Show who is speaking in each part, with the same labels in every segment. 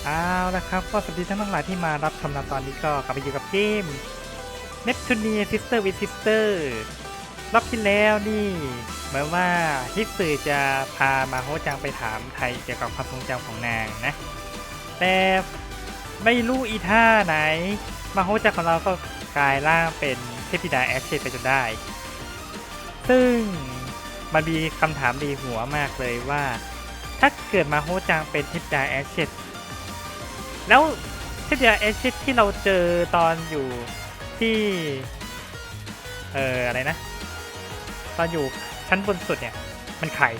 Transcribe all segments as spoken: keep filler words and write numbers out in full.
Speaker 1: เอาละครับก็สวัสดีท่านทั้งหลายที่มารับชมในตอนนี้ก็กลับไปอยู่กับเกม Neptunia Sister with Sister รอบที่แล้วนี่เหมือนว่าฮิตสึจะพามาโฮจังไปถามไทยเกี่ยวกับความทรงจำของนางนะแต่ไม่รู้อีท่าไหนมาโฮจังของเราก็กลายร่างเป็นเทพธิดาแอชเชตไปจนได้ ซึ่งมันมีคำถามดีหัวมากเลยว่าถ้าเกิดมาโฮจังเป็นเทพธิดาแอชเชตแล้วเทพธิดาแอชเชตที่เราเจอตอนอยู่ที่เอ่ออะไรนะตอนอยู่ชั้นบนสุดเนี่ยมันใคร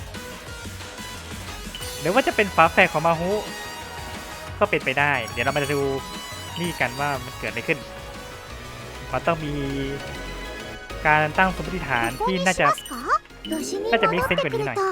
Speaker 1: หรือว่าจะเป็นฝาแฝดของมาโฮก็เป็นไปได้เดี๋ยวเรามาดูนี่กันว่ามันเกิดอะไรขึ้นมันต้องมีการตั้งสมมติฐานที่น่าจะน่าจะมีเซนส์กว่านี้หน่อย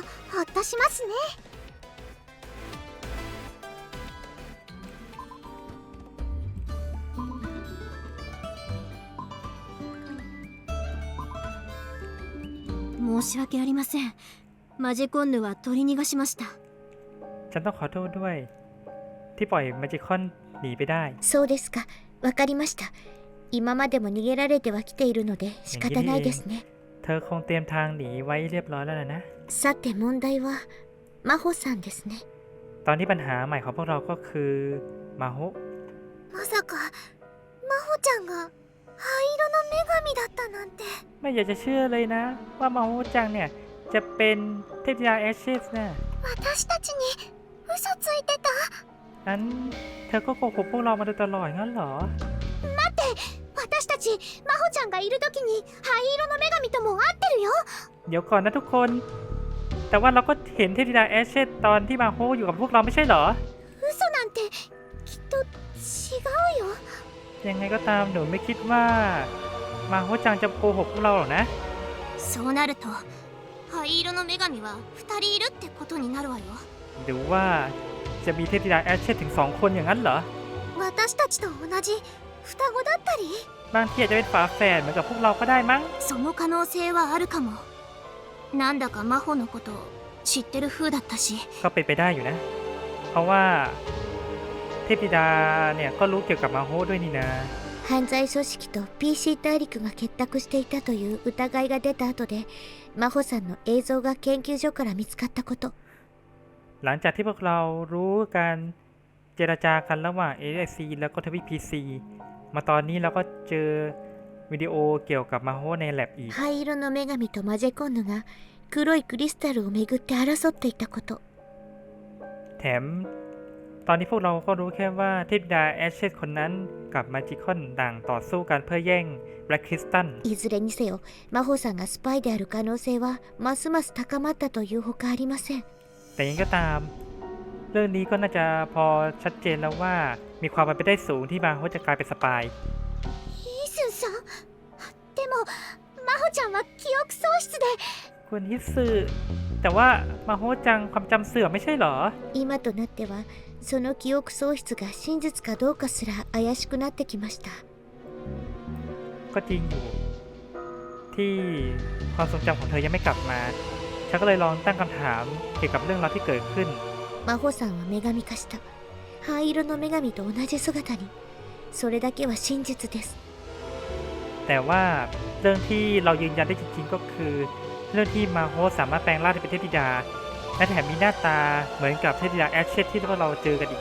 Speaker 2: 申し訳ありません。マジコンヌは取り逃がしました。
Speaker 1: ฉันต้องขอโทษด้วยที่ปล่อยมาจิคอนหนีไปได้
Speaker 2: そうですか。わかりました。今までも逃げられてはきているので仕方ないですね。
Speaker 1: เธอคงเตรียมทางหนีไว้เรียบร้อยแล้วนะ
Speaker 2: さて問題はマホさんですね。
Speaker 1: ตอนนี้ปัญหาใหม่ของพวกเราก็คือมาโฮ
Speaker 2: まさかマホちゃんが灰色の女神だったなんて。
Speaker 1: ไม่อยากจะเชื่อเลยนะว่ามาโฮจังเนี่ยจะเป็นเทพธิดาแอชเชสนะ
Speaker 2: 私たちに嘘ついてた。
Speaker 1: นั้นเธอก็โกหกพวกเรามาโดยตลอดงั้นเหรอ
Speaker 2: 待って私たちマホちゃんがいる時に灰色の女神とも会ってるよ。
Speaker 1: เดี๋ยวก่อนนะทุกคนแต่ว่าเราก็เห็นเทพธิดาแอชเชสตอนที่มาโฮอยู่กับพวกเราไม่ใช่เหรอ
Speaker 2: 嘘なんてきっと違うよ。
Speaker 1: ยังไงก็ตามหนูไม่คิดว่ามาโฮจังจะโกหกพวกเราหรอกนะ
Speaker 2: そうなると灰色の女神はふたりいるってことになるわよ。
Speaker 1: หรือว่าจะมีเทพธิดาแอชเชสถึงสองคนอย่างนั้นเหรอ
Speaker 2: 私たちと同じ双子だったり
Speaker 1: บางทีอาจจะเป็นฝาแฝดเหมือนกับพวกเราก็ได้มั้ง
Speaker 2: その可能性はあるかも。なんだか真帆のこと知ってる風だったし
Speaker 1: ก็เป็นไปได้อยู่นะเพราะว่าเทพธิดาเนี่ยก็รู้เกี่ยวกับมาโฮด้วยนี่นะ
Speaker 2: 犯罪組織と ピーシー 大陸が結託していたという疑いが出た後で真帆さんの映像が研究所から見つかったこと。
Speaker 1: หลังจากที่พวกเรารู้การเจรจากันระหว่าง เอ เอส ซี แล้วก็ทวีป พี ซี มาตอนนี้เราก็เจอวิดีโอเกี่ยวกับมาโฮในแลบอีก
Speaker 2: 灰色の女神とマジェコンヌが黒いクリスタルをめぐって争っていたこと。
Speaker 1: แถมตอนนี้พวกเราก็รู้แค่ว่าเทพธิดาแอชเชสคนนั้นกับมาจิคอนต่างต่อสู้กันเพื่อแย่งแบล็คคริสตัล
Speaker 2: いずれにせよ真帆さんがスパイである可能性はますます高まったというほかありません。
Speaker 1: แต่ยังก็ตามเรื่องนี้ก็น่าจะพอชัดเจนแล้วว่ามีความเป็นไปได้สูงที่มาโฮจะกลายเป็นสปาย
Speaker 2: イスンさんでも真帆ちゃんは記憶喪失で
Speaker 1: คุณฮิสึแต่ว่ามาโฮจังความจำเสื่อมไม่ใช่เหรอ
Speaker 2: 今となってはその記憶喪失が真実かどうかすら怪しくなってきました。
Speaker 1: ก็จริงอยู่ที่ความทรงจำของเธอยังไม่กลับมาฉันก็เลยลองตั้งคำถามเกี่ยวกับเรื่องราวที่เกิดขึ้น
Speaker 2: 真帆さんは女神化した灰色の女神と同じ姿にそれだけは真実です。
Speaker 1: แต่ว่าเรื่องที่เรายืนยันได้จริงๆก็คือเรื่องที่มาโฮสามารถแปลงร่างเป็นเทพธิดาและแถมมีหน้าตาเหมือนกับเทพธิดาแอชเชสที่พวกเราเจอกันอีก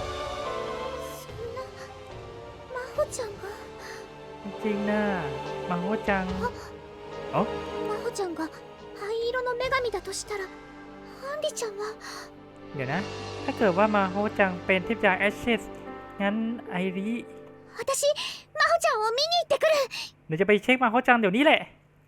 Speaker 2: 真帆ちゃんが
Speaker 1: จริงๆนะมาโฮจังอ๋อ
Speaker 2: 真帆ちゃんが灰色の女神だとしたらアンリちゃんは
Speaker 1: เดี๋ยวนะถ้าเกิดว่ามาโฮจังเป็นเทพธิดาแอชเชสงั้นไอริ
Speaker 2: 私真帆ちゃんを見に行ってくる
Speaker 1: เดี๋ยวจะไปเช็คมาโฮจังเดี๋ยวนี้แหละ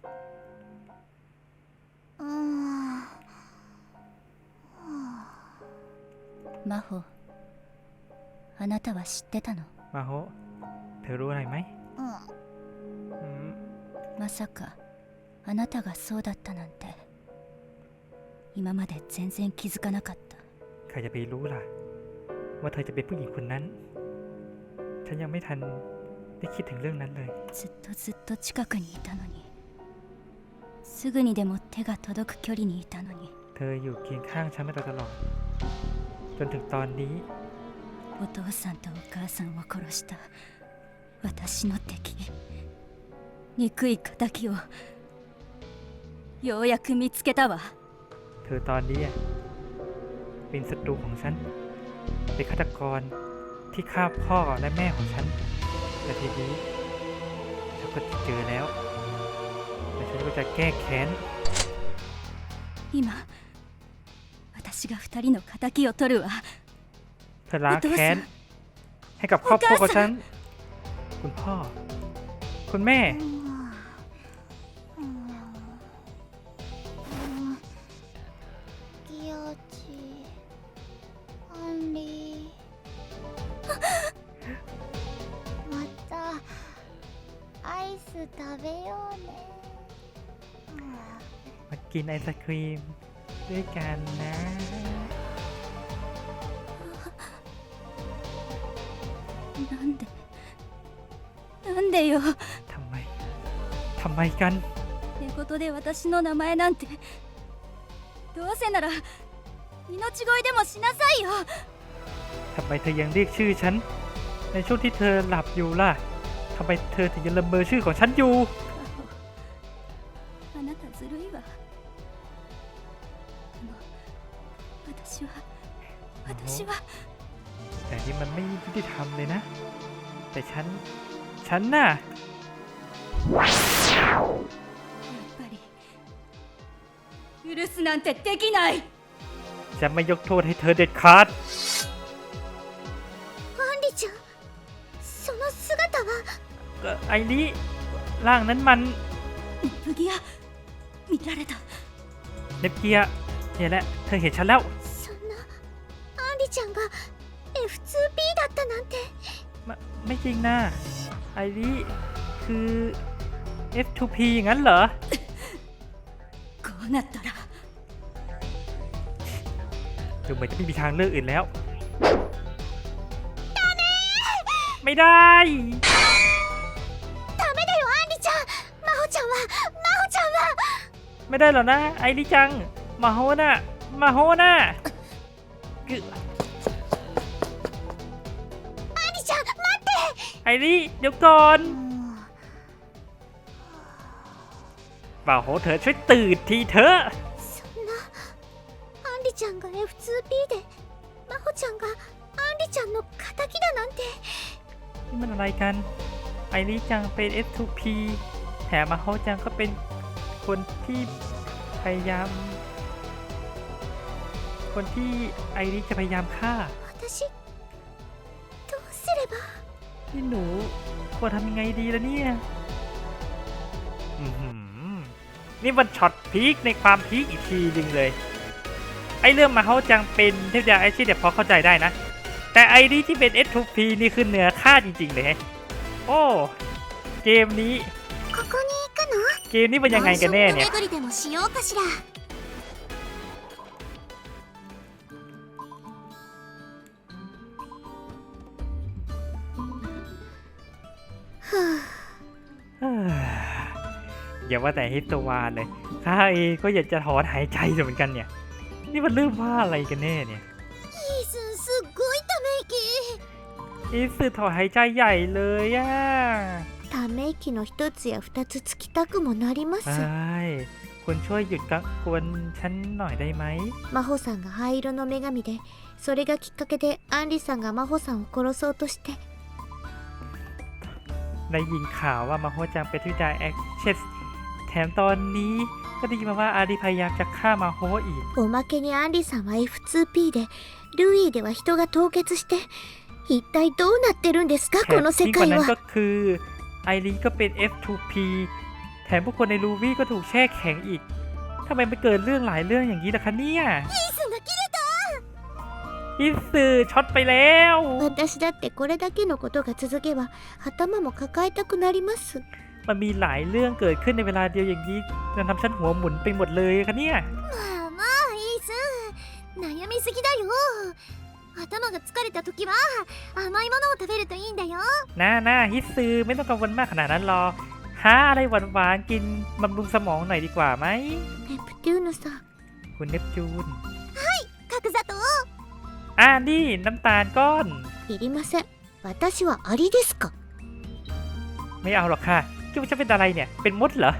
Speaker 2: 真帆あなたは知ってたの
Speaker 1: มาโฮเธอรู้อะไรไหม
Speaker 2: うんまさかあなたがそうだったなんて今まで全然気づかなかった。
Speaker 1: ใครจะไปรู้ล่ะว่าเธอจะเป็นผู้หญิงคนนั้นฉันยังไม่ทันได้คิดถึงเรื่องนั้นเลย
Speaker 2: ずっとずっと近くにいたのにすぐにでも手が届く距離にいたのに
Speaker 1: เธออยู่เคียงข้างฉันมาโดยตลอดจนถึงตอนนี้
Speaker 2: お父さんとお母さんを殺した私の敵、憎い仇をようやく見つけたわ。
Speaker 1: เธอตอนนี้เป็นศัตรูของฉันเป็นฆาตกรที่ฆ่าพ่อและแม่ของฉันแต่ทีนี้ฉันก็เจอแล้วและฉันก็จะแก้แค้น
Speaker 2: 今私が二人の仇を取るわ。
Speaker 1: เธอล้างแค้นให้กับครอบครัวของฉันคุณพ่อคุณแม่
Speaker 2: ギヨチアンリーまたアイス食べようね。
Speaker 1: มากินไอศครีมด้วยกันนะ
Speaker 2: なんでなんでよ。
Speaker 1: ทำไมทำไมกัน
Speaker 2: 寝言で私の名前なんて、どうせなら命乞いでもしなさいよ。
Speaker 1: ทำไมเธอยังเรียกชื่อฉันในช่วงที่เธอหลับอยู่ล่ะทำไมเธอถึงยังละเมอชื่อของฉันอยู่
Speaker 2: あなたずるいわ。でも私は私は
Speaker 1: แต่นี่มันไม่ยุติธรรมเลยนะแต่ฉันฉันน่ะ
Speaker 2: やっぱり許すなんてできない。
Speaker 1: จะไม่ยกโทษให้เธอเด็ดขาด
Speaker 2: アンリちゃん、その姿は。
Speaker 1: เอ่อไอ้นี้ร่างนั้นมัน
Speaker 2: ネプギア見られた。
Speaker 1: เนปเกียเนี่ยแหละเธอเห็นฉันแล้ว
Speaker 2: そんなアンリちゃんが エフツーピー だったなんて。
Speaker 1: ไม่ไม่จริงนะไอ้นี้คือ เอฟ ทู พี อย่างนั้นเหรอ
Speaker 2: こうなったら
Speaker 1: ดูเหมือนจะไม่มีทางเลือกอื่นแล้ว ไม่ได้
Speaker 2: ダメだよアンリちゃん。マホちゃんはマホちゃんは。
Speaker 1: ไม่ได้หรอกนะไอ้นี่จังมาโฮน่ะมาโฮน่ะคือ
Speaker 2: アンリちゃん待って。
Speaker 1: ไอ้นี่เดี๋ยวก่อนมาโฮเธอช่วยตื่นทีเถอะ
Speaker 2: そんなアンリちゃんが エフツーピー でマホちゃんがアンリちゃんの仇だなんて。
Speaker 1: นี่มันอะไรกันไอ้นี่จังเป็น เอฟ ทู พี แถมมาโฮจังก็เป็นคนที่พยายามคนที่ไอริจะพยายามฆ่า
Speaker 2: 私どうすれば。
Speaker 1: นี่หนูควรทำยังไงดีล่ะเนี่ยอื้อหือนี่มันช็อตพีคในความพีคอีกทีหนึ่งเลยไอเรื่องมาเขาจังเป็นเทพยาไอชีเดี๋ยวพอเข้าใจได้นะแต่ไอริที่เป็น เอฟ ทู พี นี่คือเหนือค่าจริงๆเลยโอ้เกมนี้
Speaker 2: ここに行くの。
Speaker 1: เกมนี้เป็นยังไงกันแน่เนี่ย
Speaker 2: 巡りでもしようかしら。
Speaker 1: อย่าว่าแต่ฮิตวานเลยข้าเองก็อยากจะถอนหายใจอยู่เหมือนกันเนี่ยนี่มันเรื่องว่าอะไรกันแน่เนี่ย
Speaker 2: イースンすっごいため息。
Speaker 1: อีสึถอนหายใจใหญ่เลยอ่ะ
Speaker 2: ため息の一つや二つつきたくもなりま
Speaker 1: ใช่คุณช่วยหยุดกักกวนฉันหน่อยได้ไหม
Speaker 2: マホさんが灰色の女神で、それがきっかけでアンリさんがマホさんを殺そうとして。
Speaker 1: ได้ยินข่าวว่ามาโฮจังเป็นที่ดาแอคเชสแถมตอนนี้ก็ได้ยินมาว่าอาริพยายามจะฆ่ามาโฮอีก
Speaker 2: おまけにアンリさんは エフツーピー で、ルイーでは人が凍結して、一体どうなってるんですか
Speaker 1: แถ
Speaker 2: こ
Speaker 1: ม
Speaker 2: の世
Speaker 1: ยิ่งกว่า
Speaker 2: 界
Speaker 1: นั้น
Speaker 2: は。
Speaker 1: ก็คือไอรีก็เป็น เอฟ ทู พี แถมผู้คนในลูวี่ก็ถูกแช่แข็งอีกทำไมมันเกิดเรื่องหลายเรื่องอย่างนี้ล่ะคะเนี่ย
Speaker 2: イースンが切れた。
Speaker 1: อิสึช็อตไปแล้ว
Speaker 2: 私だってこれだけのことが続けば頭も抱えたくなります。
Speaker 1: มันมีหลายเรื่องเกิดขึ้นในเวลาเดียวอย่างนี้จะทำฉันหัวหมุนไปหมดเลยคะเนี่ย
Speaker 2: まあまあイースン、悩みすぎだよ。頭が疲れた時は甘いものを食べるといいんだよ。
Speaker 1: น่าน่าฮิตซึไม่ต้องกังวลมากขนาดนั้นหรอกหาอะไรหวานๆกินบำรุงสมองหน่อยดีกว่าไหม
Speaker 2: ネプテューヌさん。
Speaker 1: คุณเนปจูน
Speaker 2: 角砂糖。
Speaker 1: อ่านี่น้ำตาลก้อน
Speaker 2: あ
Speaker 3: いりません。私はアリですか？
Speaker 1: ไม่เอาหรอกค่ะคิดว่าจะเป็นอะไรเนี่ยเป็นมดเหรอ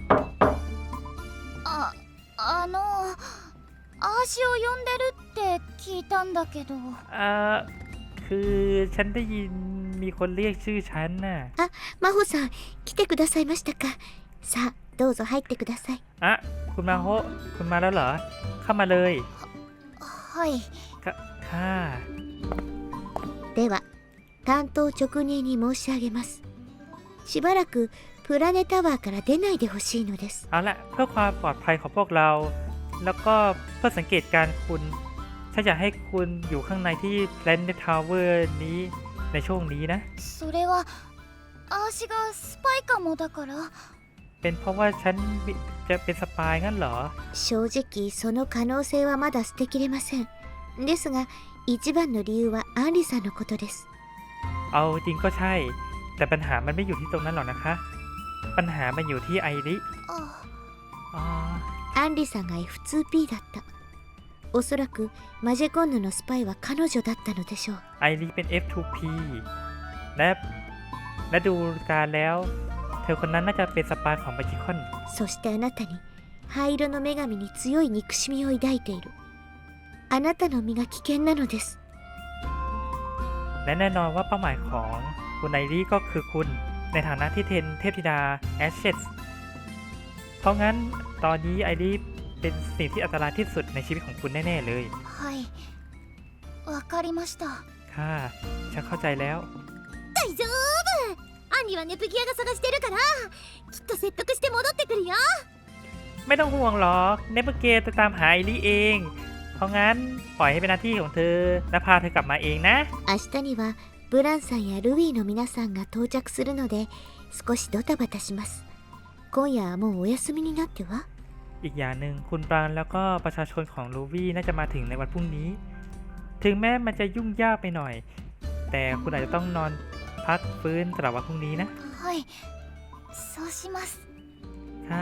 Speaker 2: ああのアーシを呼んでるって聞いたんだけど。
Speaker 1: เอ่อคือฉันได้ยินมีคนเรียกชื่อฉันน่ะ
Speaker 3: あ、真帆さん、来てくださいましたか。さあ、どうぞ入ってください。
Speaker 1: อ่ะคุณมาโฮะคุณมาแล้วเหรอเข้ามาเลย
Speaker 2: はい。
Speaker 1: ค่ะค่ะ
Speaker 3: では、担当直入に申し上げます。しばらくプラネタワーから出ないでほしいのです。
Speaker 1: เอาละเพื่อความปลอดภัยของพวกเรา แล้วก็เพื่อสังเกตการณ์คุณฉันอยากให้คุณอยู่ข้างในที่ Planet Tower นี้ในช่วงนี้นะ
Speaker 2: それはアーシがスパイかもだから。
Speaker 1: เป็นเพราะว่าฉันจะเป็นสปายงั้นเหรอ
Speaker 3: 正直、その可能性はまだ捨てきれません。ですが、一番の理由はアンリさんのことです。
Speaker 1: เอาจริงก็ใช่ แต่ปัญหามันไม่อยู่ที่ตรงนั้นหรอกนะคะ ปัญหามันอยู่ที่ไอริ
Speaker 2: あ
Speaker 1: อ๋อ
Speaker 3: アンリさんが エフツーピー だった。おそらくマジェコンヌのスパイは彼女だったのでしょう。
Speaker 1: ไอริเป็น เอฟ ทู พี และและดูการแล้ว เธอคนนั้นน่าจะเป็นสปายของมาจิคอน
Speaker 3: そしてあなたに灰色の女神に強い憎しみを抱いている。あなたの身が危険なのです。
Speaker 1: และแน่นอนว่าเป้าหมายของคุณไอริก็คือคุณในฐานะที่เทนเทพธิดาแอชเชสเพราะงั้นตอนนี้ไอริเป็นสิ่งที่อันตรายที่สุดในชีวิตของคุณแน่ๆเลย
Speaker 2: はい。わかりました。
Speaker 1: ค่ะฉันเข้าใจแล้ว
Speaker 3: 大丈夫。アンリはネプギアが探してるから、きっと説得して戻ってくるよ。
Speaker 1: ไม่ต้องห่วงหรอกเนเปเกจะตามหาไอริเอง เพราะงั้นปล่อยให้เป็นหน้าที่ของเธอและพาเธอกลับมาเองนะ
Speaker 3: 明日にはブランさんやルビーの皆さんが到着するので、少しドタバタします。今夜はもうお休みになっては。
Speaker 1: อีกอย่างหนึ่งคุณปรางแล้วก็ประชาชนของลูวี่น่าจะมาถึงในวันพรุ่งนี้ ถึงแม้มันจะยุ่งยากไปหน่อย แต่คุณอาจจะต้องนอนพักฟื้นสำหรับวันพรุ่งนี้นะ
Speaker 2: はい。そうします。
Speaker 1: ค่ะ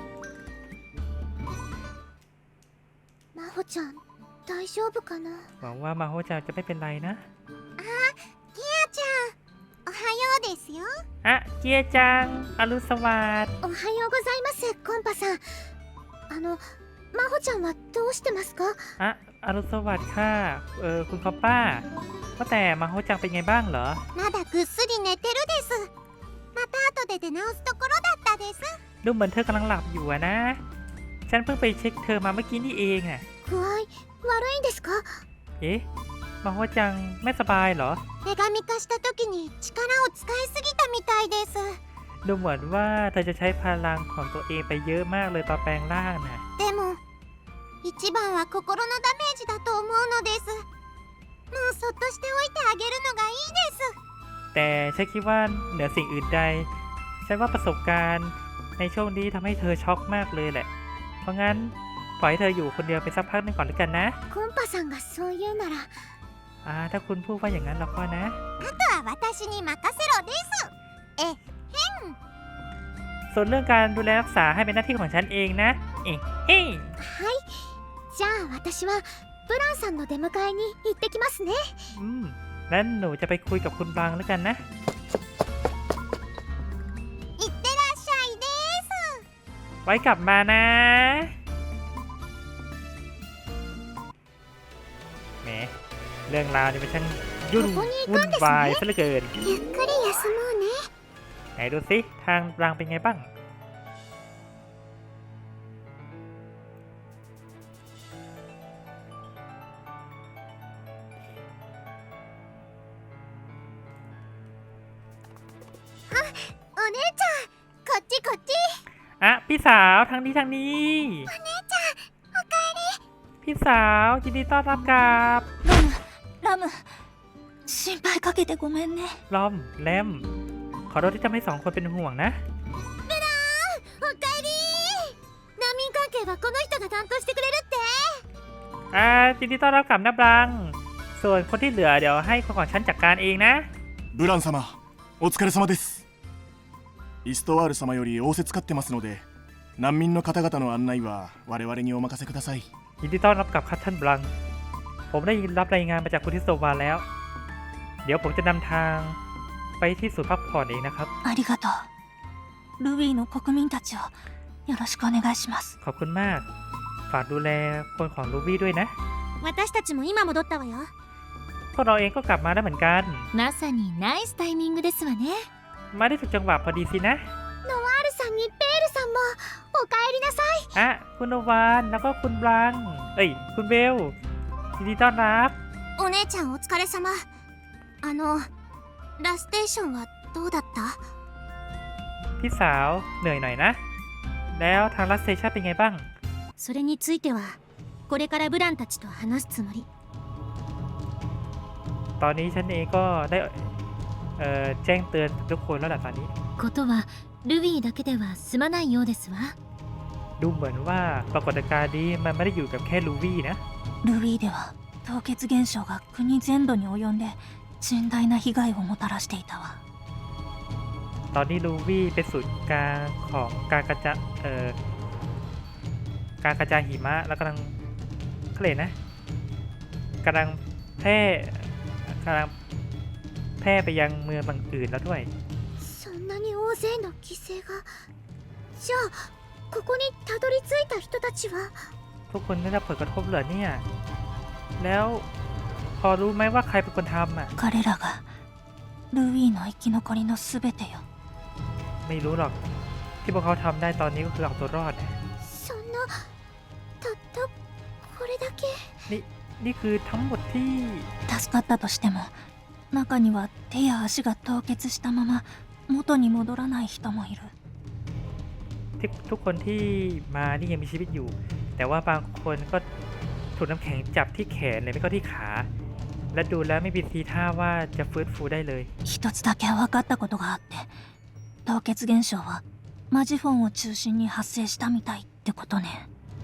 Speaker 3: 真帆ちゃん、大丈夫かな。
Speaker 1: หวังว่ามาโฮจะจะไม่เป็นไรนะ
Speaker 3: ギアちゃん、おはようですよ。
Speaker 1: อ่ะเกียร์จังอรุณสวัสดิ์
Speaker 3: おはようございます、コンパさん。あの、真帆ちゃんはどうしてますか。
Speaker 1: อ่ะอรุณสวัสดิ์ค่ะเออคุณคอปป้าว่าแต่มาโฮจังเป็นไงบ้างเหรอ
Speaker 3: まだぐっすり寝てるです。また後で出直すところだったです。
Speaker 1: ดูเหมือนเธอกำลังหลับอยู่อะนะ ฉันเพิ่งไปเช็คเธอมาเมื่อกี้นี่เองอะ
Speaker 3: 具合悪いんですか。
Speaker 1: เอ๊ะมาโฮจังไม่สบายเหรอ
Speaker 3: 女神化した時に力を使いすぎたみたいです。
Speaker 1: ดูเหมือนว่าเธอจะใช้พลังของตัวเองไปเยอะมากเลยตอนแปลงร่างน่ะ
Speaker 3: でも一番は心のダメージだと思うのです。もうそっとしておいてあげるのがいいです。
Speaker 1: แต่ฉันคิดว่าเหนือสิ่งอื่นใด ฉันว่าประสบการณ์ในช่วงนี้ทำให้เธอช็อกมากเลยแหละ เพราะงั้นปล่อยให้เธออยู่คนเดียวไปสักพักหนึงก่อนแล้วกันนะ
Speaker 3: コンパさんがそう言うなら、
Speaker 1: อ่าถ้าคุณพูดว่าอย่างนั้นแล้วก็นะ
Speaker 3: あとは私に任せろです。え、
Speaker 1: ส่วนเรื่องการดูแลรักษาให้เป็นหน้าที่ของฉันเองนะ เอ๊ะเฮ้ย
Speaker 3: はい。じゃあ私はブランさんの出迎えに行ってきますね。
Speaker 1: อืมนั้นหนูจะไปคุยกับคุณบางแล้วกันนะ
Speaker 3: いってらっしゃいです。
Speaker 1: ไว้กลับมานะแหมเรื่องราวนี่มันช่างยุ่งวุ่นวายซะเหลือเกิน
Speaker 3: ゆっくり休もうね。
Speaker 1: ไหนดูสิทางรางเป็นไงบ้าง
Speaker 3: お姉ちゃん、こっちこっち。
Speaker 1: อ่ะพี่สาวทางนี้ทางนี้
Speaker 3: お姉ちゃん、おかえり。
Speaker 1: พี่สาวยินดีต้อนรับกลับ
Speaker 2: ラム、ラム、心配かけてごめんね。
Speaker 1: ลอมแลมขอโทษที่ทำให้สองคนเป็นห่วงนะ
Speaker 3: おかえり。難民関係はこの人が担当してくれるって。
Speaker 1: อ่ายินดีต้อนรับกลับนะบลัง ส่วนคนที่เหลือเดี๋ยวให้คนของฉันจัดการเองนะ
Speaker 4: ブラン様、お疲れ様です。イストワール様より仰せつかってますので、難民の方々の案内は我々にお任せください。
Speaker 1: ยินดีต้อนรับกลับครับท่านบลัง ผมได้รับรายงานมาจากคุณทิสโตวาแล้วเดี๋ยวผมจะนำทางไปที่ศูนย์พักผ่อนเองนะครับ
Speaker 2: ありがとう。ルビーの国民たちをよろしくお願いします。
Speaker 1: ขอบคุณมาก ฝากดูแลคนของลูบี้ด้วยนะ
Speaker 3: 私たちも今戻ったわよ。
Speaker 1: พวกเราเองก็กลับมาได้เหมือนกัน
Speaker 3: まさにナイスタイミングですわね。
Speaker 1: มาได้ถูกจังหวะพอดีสินะ
Speaker 3: ノワールさんにペールさんもおかえりなさい。
Speaker 1: อ่ะคุณโนวานแล้วก็คุณบลัง เอ้ย คุณเบลยินดีต้อนรับ
Speaker 3: お姉ちゃんお疲れ様。あのラステーションはどうだった？
Speaker 1: พี่สาวเหนื่อยหน่อยนะ แล้วทางรัสเซชันเป็นไงบ้าง
Speaker 3: それについてはこれからブランたちと話すつもり。
Speaker 1: ตอนนี้ฉันเองก็ได้เอ่อแจ้งเตือนทุกคนแล้วแหละตอนนี้
Speaker 3: ことはルビーだけでは済まないようですわ。
Speaker 1: ดูเหมือนว่าปรากฏการณ์นี้มันไม่ได้อยู่กับแค่ลูวี่นะ
Speaker 2: ルビーでは凍結現象が国全土に及んで甚大な被害をもたらしていたわ。
Speaker 1: ตอนนี้ลูวี่เป็นศูนย์กลางของการกระจายเอ่อการกระจายหิมะแล้วกำลังเขาเรียกนะกำลังแพร่กำลังแพร่ไปยังเมืองบางอื่นแล้วด้วย
Speaker 3: そんなに大勢の犠牲が。じゃあここにたどり着いた人たちは。
Speaker 1: ทุกคนได้รับผลกระทบเหรอเนี่ย แล้วพอรู้ไหมว่าใครเป็นคนทำอ่ะ
Speaker 2: 彼らがルビーの生き残りのすべてよ。
Speaker 1: ไม่รู้หรอกที่พวกเขาทำได้ตอนนี้ก็คือเอาตัวรอดนะ
Speaker 3: そんなたったこれだけ。
Speaker 1: นี่นี่คือทั้งหมดที่
Speaker 2: 助かったとしても中には手や足が凍結したまま元に戻らない人もいる。
Speaker 1: ที่ทุกคนที่มานี่ยังมีชีวิตอยู่ แต่ว่าบางคนก็ถูกน้ำแข็งจับที่แขนเลยไม่ก็ที่ขา และดูแล้วไม่มีทีท่าว่าจะฟื้นฟูได้เลย
Speaker 2: 一つだけ分かったことがあって凍結現象はマジフォンを中心に発生したみたいってことね。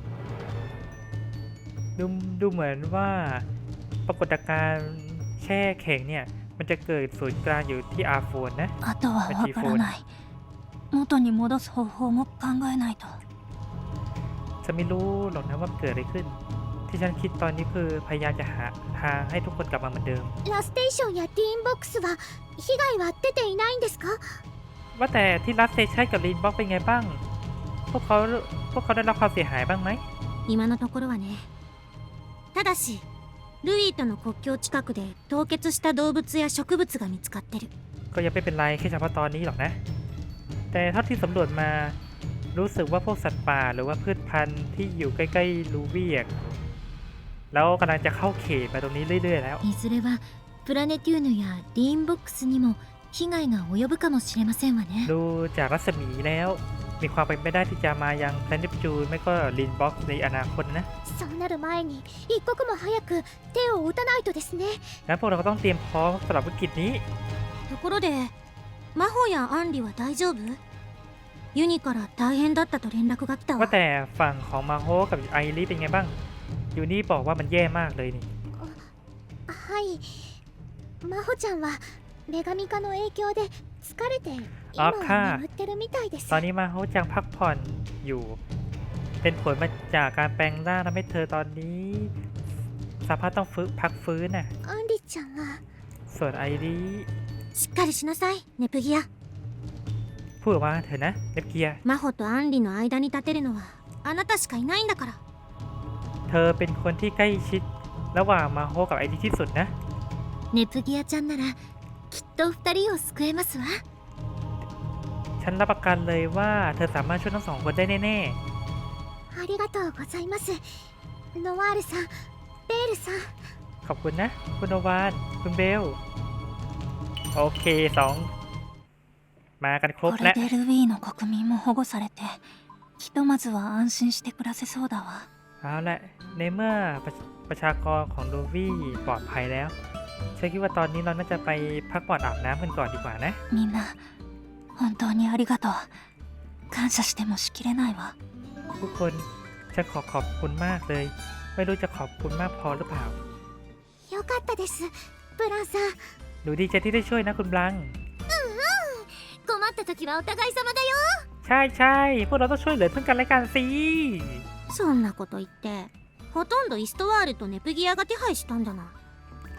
Speaker 1: ดูดูเหมือนว่าปรากฏการณ์แช่แข็งเนี่ยมันจะเกิดศูนย์กลางอยู่ที่อาร์โฟนนะ
Speaker 2: あとは分からない。元に戻す方法も考えないと。
Speaker 1: ฉันไม่รู้หรอกนะว่าเกิดอะไรขึ้น ที่ฉันคิดตอนนี้คือพยายามจะหาทางให้ทุกคนกลับมาเหมือนเดิม
Speaker 3: ラステーションやティーンボックスは被害は出ていないんですか？
Speaker 1: ว่าแต่ที่รัสเซชันกับลีนบ็อกเป็นไงบ้าง พวกเขาพวกเขาได้รับความเสียหายบ้างไหม
Speaker 3: 今のところはね。ただしルイーとの国境近くで凍結した動物や植物が見つかってる。
Speaker 1: ก็ยังไม่เป็นไรแค่เฉพาะตอนนี้หรอกนะ แต่เท่าที่สำรวจมารู้สึกว่าพวกสัตว์ป่าหรือว่าพืชพันธุ์ที่อยู่ใกล้ๆลูวี่อะแล้วกำลังจะเข้าเขตมาตรงนี้เรื่อยๆแล้ว
Speaker 3: いずれはプラネテューヌやリーンボックスにも被害が及ぶかもしれませんわね。
Speaker 1: ดูจากรัศมีแล้วมีความเป็นไปได้ที่จะมายังแพลนเนปจูนไม่ก็ลินบ็อกในอนาคตนะ
Speaker 3: そうなる前に一刻も早く手を打たないとですね。
Speaker 1: งั้นพวกเราก็ต้องเตรียมพร้อมสำหรับวิกฤตนี้
Speaker 3: ところでマホやアンリは大丈夫？ユニから大変だったと連絡が来た
Speaker 1: ว่า
Speaker 3: わ。
Speaker 1: แต่ฝั่งของมาโฮกับไอริเป็นไงบ้างอยู่นี่บอกว่ามันแย่มากเลยนี่
Speaker 3: はい。マホちゃんは女神化の影響で疲れて今は眠ってるみたいです。
Speaker 1: ตอนนี้มาโฮจังพักผ่อนอยู่ เป็นผลมาจากการแปลงร่างทำให้เธอตอนนี้สภาพต้องฟื้นพักฟื้นน่ะ
Speaker 3: アンリちゃんは
Speaker 1: ส่วนไอริ
Speaker 3: しっかりしなさい、ネプギア。
Speaker 1: พูดออกมาเถอะนะเนปเกีย
Speaker 3: マホとアンリの間に立てるのはあなたしかいないんだから。
Speaker 1: เธอเป็นคนที่ใกล้ชิดระหว่างมาโฮกับไอริที่สุดนะ
Speaker 3: ネプギアちゃんならきっと二人を救えますわ。
Speaker 1: ฉันรับประกันเลยว่าเธอสามารถช่วยทั้งสองคนได้แน่
Speaker 3: ありがとうございます。ノワールさん、ベールさん。
Speaker 1: ๆ ขอบคุณนะ คุณโนวาน คุณเบล โอเคสองมากันครบ
Speaker 2: こ
Speaker 1: และ
Speaker 2: れでルビーの国民も保護されてひとまずは安心して暮らせそうだわ。
Speaker 1: เอาละในเมื่อประประชากรของลูวี่ปลอดภัยแล้วฉันคิดว่าตอนนี้เราน่าจะไปพักผ่อนอาบน้ำกันก่อนดีกว่านะ
Speaker 2: みんな本当にありがとう。感謝してもしきれないわ。
Speaker 1: ทุกคนฉันขอขอบคุณมากเลย ไม่รู้จะขอบคุณมากพอหรือเปล่า
Speaker 3: よかったです、ブランさん。
Speaker 1: หนูดีใจที่ได้ช่วยนะคุณบลัง
Speaker 3: 困った時はお互い様だよ。
Speaker 1: ใช่ใช่พวกเราต้องช่วยเหลือซึ่งกันและกันสิ
Speaker 3: そんなこと言ってほとんどイストワールとネプギアが手配したんだな。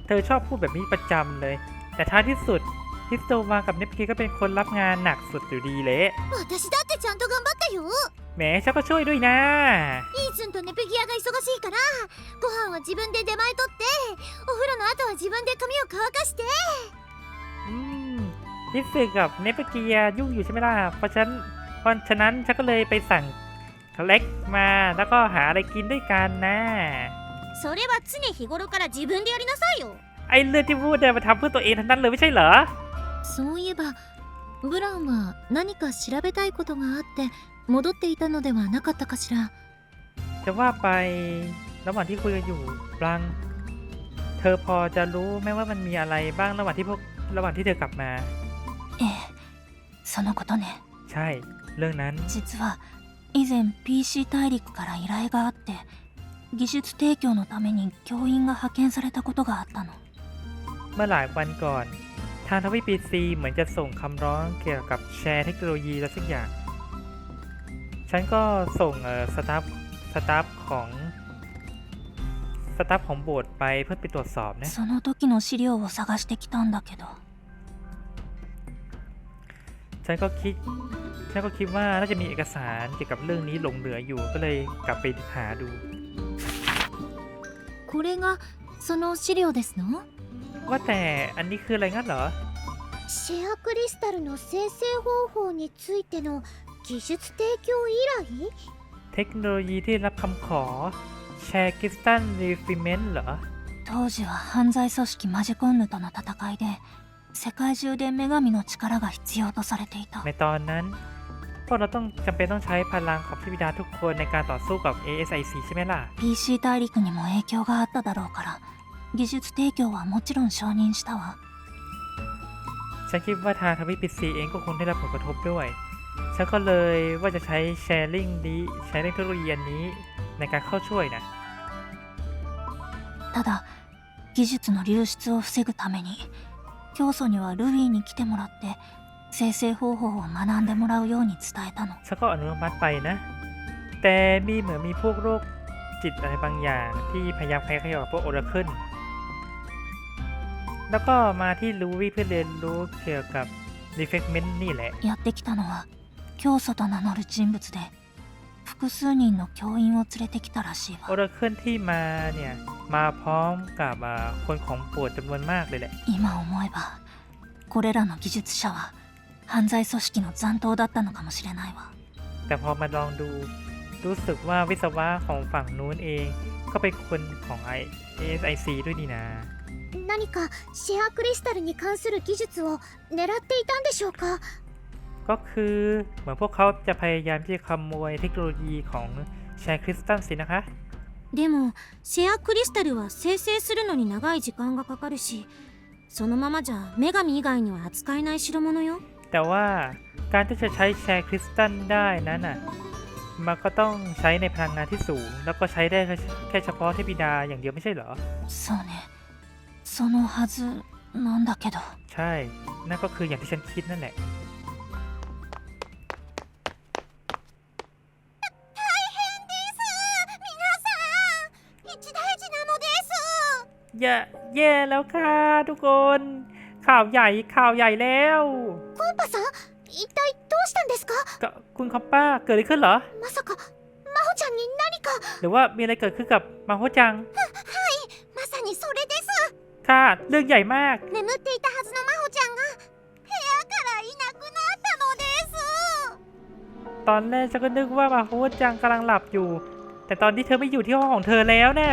Speaker 1: เธอชอบพูดแบบนี้ประจำเลย แต่ท้ายที่สุดฮิสโตมากับเนปกีก็เป็นคนรับงานหนักสุดอยู่ดีเลย
Speaker 3: 私だってちゃんと頑張ったよ。
Speaker 1: แหมฉันก็ช่วยด้วยนะ
Speaker 3: イーズンとネプギアが忙しいからご飯は自分で出前取ってお風呂の後は自分で髪を乾かして。
Speaker 1: อืมฮิสสึกับเนปกียุ่งอยู่ใช่ไหมล่ะ เพราะฉะนั้นเพราะฉะนั้นฉันก็เลยไปสั่งเล็กมาแล้วก็หาอะไรกินด้วยกันนะ
Speaker 3: それは常日頃から自分でやりなさいよ。
Speaker 1: ไอ้เรื่องที่พูดเนี่ยมาทำเพื่อตัวเองทั้งนั้นเลยไม่ใช่เหรอ
Speaker 5: そういえばブランは何か調べたいことがあって戻っていたのではなかったかしら。
Speaker 1: จะว่าไประหว่างที่คุยกันอยู่บลัง เธอพอจะรู้ไหมว่ามันมีอะไรบ้างระหว่างที่พวกระหว่างที่เธอกลับมา
Speaker 2: ええそのことね。
Speaker 1: ใช่ เรื่องนั้น
Speaker 2: 実は以前 ピーシー 大陸から依頼があって技術提供のために教員が派遣されたことがあったの。
Speaker 1: เมื่อหลายวันก่อน ทางทวีปปีซีเหมือนจะส่งคำร้องเกี่ยวกับแชร์เทคโนโลยีและสักอย่าง ฉันก็ส่งเอ่อสตาฟสตาฟของสตาฟของโบสถ์ไปเพื่อไปตรวจสอบนะ
Speaker 2: その時の資料を探してきたんだけど
Speaker 1: ฉันก็คิด ฉันก็คิดว่าน่าจะมีเอกสารเกี่ยวกับเรื่องนี้หลงเหลืออยู่ก็เลยกลับไปหาดู
Speaker 5: これがその資料ですの？
Speaker 1: ว่าแต่อันนี้คืออะไรงั้นเหรอ
Speaker 3: シェアクリスタルの生成方法についての技術提供依頼。
Speaker 1: เทคโนโลยีที่รับคำขอแชร์คริสตัลรีฟิเมนต์เหรอ
Speaker 2: 当時は犯罪組織マジコンヌとの戦いで世界中で女神の力が必要とされていた
Speaker 1: ในตอนนั้นพวกเราต้องจำเป็นต้องใช้พลังของเทพธิดาทุกคนในการต่อสู้กับ เอ เอส ไอ ซี ใช่ไหมล่ะ
Speaker 2: ピーシー 大陸にも影響があっただろうから技術提供はもちろん承認したわ。
Speaker 1: ฉันคิดว่าทางทวีปปีซีเองก็คงได้รับผลกระทบด้วย ฉันก็เลยว่าจะใช้แชร์ลิงนี้แชร์ลิงเทคโนโลยีอันนี้ในการเข้าช่วยนะ
Speaker 2: ただ技術の流出を防ぐために教祖にはルビーに来てもらって生成方法を学んでもらうように伝えたの。
Speaker 1: ฉันก็อนุมัติไปนะ แต่มีเหมือนมีพวกโรคจิตอะไรบางอย่างที่พยายามใครขยับกับพวกโอราเคิลแล้วก็มาที่ลูวี่เพื่อเรียนรู้เกี่ยวกับ Reflectment นี่แหละ
Speaker 2: やってきたのは教祖と名乗る人物で複数人の教員を連れてきたらしい
Speaker 1: โอ
Speaker 2: わ。
Speaker 1: ราเคิลที่มาเนี่ย มาพร้อมกับอ่าคนของโปรดจำนวนมากเลยแหละ
Speaker 2: 今思えばこれらの技術者は犯罪組織の残党だったのかもしれないわ。
Speaker 1: แต่พอมาลองดูรู้สึกว่าวิศวะของฝั่งนู้นเองก็เป็นคนของ เอ เอส ไอ ซี ด้วยนี่นะ
Speaker 3: 何かシェアクリスタルに関する技術を狙っていたんでしょうか。
Speaker 1: ก็คือเหมือนพวกเขาจะพยายามที่จะขโมยเทคโนโลยีของแชร์คริสตัลสินะคะ
Speaker 5: でもシェアクリスタルは生成するのに長い時間がかかるしそのままじゃ女神以外には扱えない代物よ。
Speaker 1: แต่ว่าการที่จะใช้แชร์คริสตัลได้นั้นน่ะมันก็ต้องใช้ในพลังงานที่สูง แล้วก็ใช้ได้แค่เฉพาะเทพธิดาอย่างเดียวไม่ใช่เหรอ
Speaker 2: そうねそのはずなんだけど
Speaker 1: ใช่ นั่นก็คืออย่างที่ฉันคิดนั่นแหละ อย่าแย่แล้วค่ะทุกคน ข่าวใหญ่ข่าวใหญ่แล้ว
Speaker 3: コンパさん一体どうしたんですか。
Speaker 1: ก็คุณคอปป้าเกิดอะไรขึ้นเหรอ
Speaker 3: まさか真帆ちゃんに何か。
Speaker 1: หรือว่ามีอะไรเกิดขึ้นกับมาโฮจัง
Speaker 3: まさにそれです。
Speaker 1: ค่ะ เรื่องใหญ่มาก
Speaker 3: 眠っていたはずの真帆ちゃんが部屋からいなくなったのです。
Speaker 1: ตอนแรกฉันก็นึกว่ามาโฮจังกำลังหลับอยู่ แต่ตอนนี้เธอไม่อยู่ที่ห้องของเธอแล้วน่ะ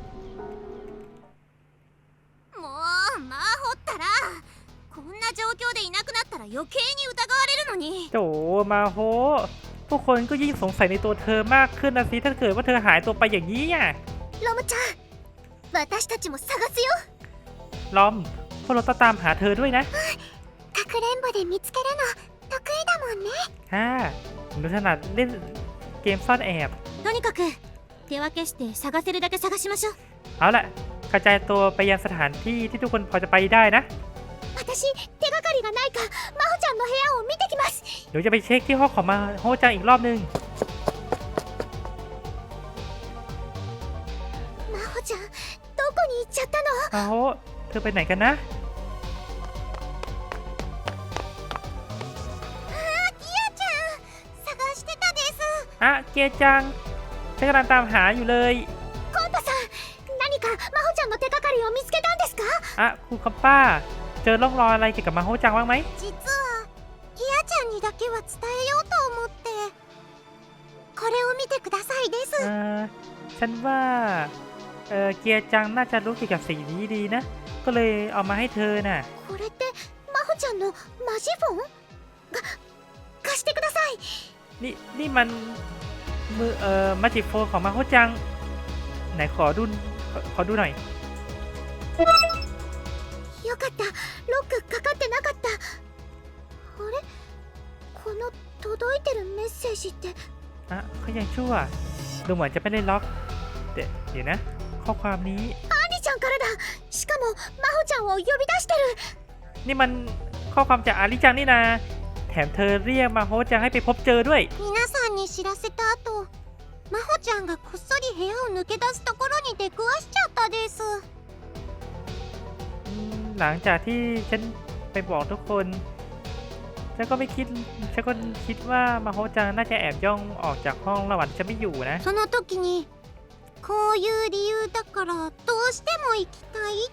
Speaker 3: もう真帆ったらこんな状況でいなくなったら余計に疑われるのに。
Speaker 1: โถมาโฮพวกคนก็ยิ่งสงสัยในตัวเธอมากขึ้นนะสิถ้าเกิดว่าเธอหายตัวไปอย่างนี้อ่ะ
Speaker 3: ロムちゃん私たちも探すよ。
Speaker 1: ลอมพวกเราต้องตามหาเธอด้วยนะ
Speaker 3: かくれんぼで見つけるの得意だもんね。
Speaker 1: ค่ะผมดูถนัดเล่นเกมซ่อนแอบ
Speaker 5: とにかく手分けして探せるだけ探しましょう。
Speaker 1: เอาล่ะกระจายตัวไปยังสถานที่ที่ทุกคนพอจะไปได้นะ
Speaker 3: 私手がかりがないか真帆ちゃんの部屋を見てきます。
Speaker 1: เดี๋ยวจะไปเช็คที่ห้องของมาโฮจังอีกรอบนึง
Speaker 3: 真帆ちゃんどこに行っちゃったの。
Speaker 1: มาโฮเธอไปไหนกันนะ
Speaker 5: 探してたです。
Speaker 1: อ่ะเกียร์จังฉันกำลังตามหาอยู่เลย
Speaker 5: コンパさん、何か真帆ちゃんの手がかりを見つけたんですか？
Speaker 1: อ่ะครูคอมป้า เจอร่องรอยอะไรเกี่ยวกับมาโฮจังบ้างไหม
Speaker 5: 実はギアちゃんにだけは伝えようと思ってこれを見てくださいです
Speaker 1: เออฉันว่าเออเกียร์จังน่าจะรู้เกี่ยวกับสิ่งนี้ดีนะ ก็เลยเอามาให้เธอน่ะ
Speaker 5: これって真帆ちゃんのマジフォンが貸してください
Speaker 1: นี่นี่มันมือเอ่อมาจิโฟนของมาโฮจัง ไหนขอดูขอขอดูหน่อย
Speaker 5: よかったロックかかってなかったあれこの届いてるメッセージって
Speaker 1: อ่ะเขายังชั่ว ดูเหมือนจะไม่ได้ล็อกเดี๋ยวเดี๋ยวนะ ข้อความนี้
Speaker 5: アニちゃんからだしかも真帆ちゃんを呼び出してる
Speaker 1: นี่มันข้อความจากอาริจังนี่นะ แถมเธอเรียกมาโฮจังให้ไปพบเจอด้วย
Speaker 5: 皆さんに知らせた後真帆ちゃんがこっそり部屋を抜け出すところに出くわしちゃったです
Speaker 1: อืมหลังจากที่ฉันไปบอกทุกคน ฉันก็ไม่คิด ฉันก็คิดว่ามาโฮจังน่าจะแอบย่องออกจากห้องระหว่างที่ฉันไม่อยู่นะ
Speaker 5: その時にこういう理由だからどうしても行きたいって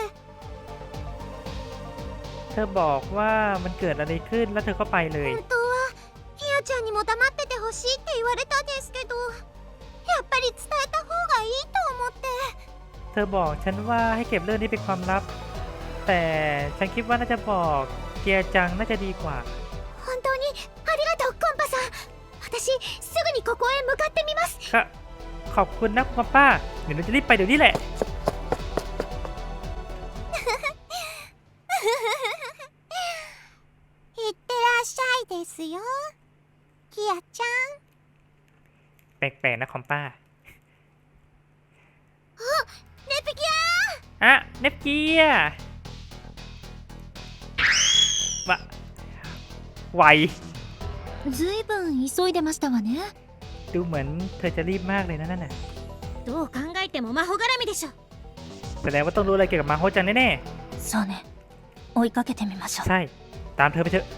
Speaker 1: เธอบอกว่ามันเกิดอะไรขึ้นแล้วเธอก็ไปเลย
Speaker 5: 本当はギアちゃんにも黙っててほしいって言われたんですけどやっぱり伝えた方がいいと思って
Speaker 1: เธอบอกฉันว่าให้เก็บเรื่องนี้เป็นความลับ แต่ฉันคิดว่าน่าจะบอกเกียร์จังน่าจะดีกว่า
Speaker 5: 本当にありがとうコンパさん私すぐにここへ向かってみます
Speaker 1: ก็ขอบคุณนะคุณป้า เดี๋ยวเราจะรีบไปเดี๋ยวนี้แหละ
Speaker 5: いってらっしゃいですよギアちゃん
Speaker 1: แปลกๆนะคอมป้า
Speaker 5: ネプギ
Speaker 1: อ่ะเนปเกียร์วะไว
Speaker 5: アずいぶん急いでましたわね
Speaker 1: ดูเหมือนเธอจะรีบมากเลยนะนั่นน่ะ
Speaker 5: どう考えても魔法絡みでしょ
Speaker 1: แสดงว่าต้องรู้อะไรเกี่ยวกับมาโฮจังแน่
Speaker 2: そうね追いかけてみましょ
Speaker 1: ๆ
Speaker 2: う
Speaker 1: ใช่ ตามเธอไปเถอะ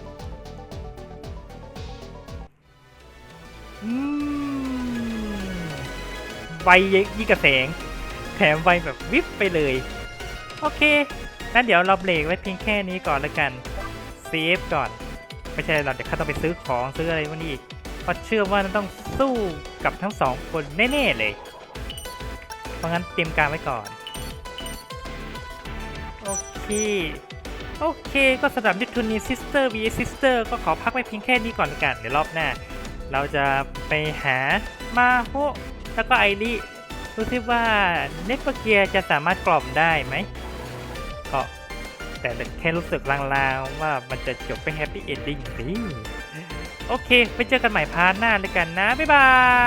Speaker 1: อืมไวยิ่งกับแสง แถมไวแบบวิบไปเลย โอเค งั้นเดี๋ยวเราเบรกไว้เพียงแค่นี้ก่อนแล้วกัน เซฟก่อน ไม่ใช่เราเดี๋ยวข้าต้องไปซื้อของซื้ออะไรพวกนี้อีกเพราะเชื่อว่าต้องสู้กับทั้งสองคนแน่ๆเลย เพราะงั้นเตรียมการไว้ก่อน โอเค โอเค ก็สำหรับนิทูนีซิสเตอร์ วี เอส Sister ก็ขอพักไว้เพียงแค่นี้ก่อนละกัน เดี๋ยวรอบหน้า เราจะไปหามาโฮแล้วก็ไอริดูซิว่าเนปเกียจะสามารถกล่อมได้ไหมก็แต่แค่รู้สึกลางๆว่ามันจะจบไปแฮปปี้เอนดิ้งสิโอเค ไปเจอกันใหม่พาร์ทหน้าเลยกันนะ บ๊ายบาย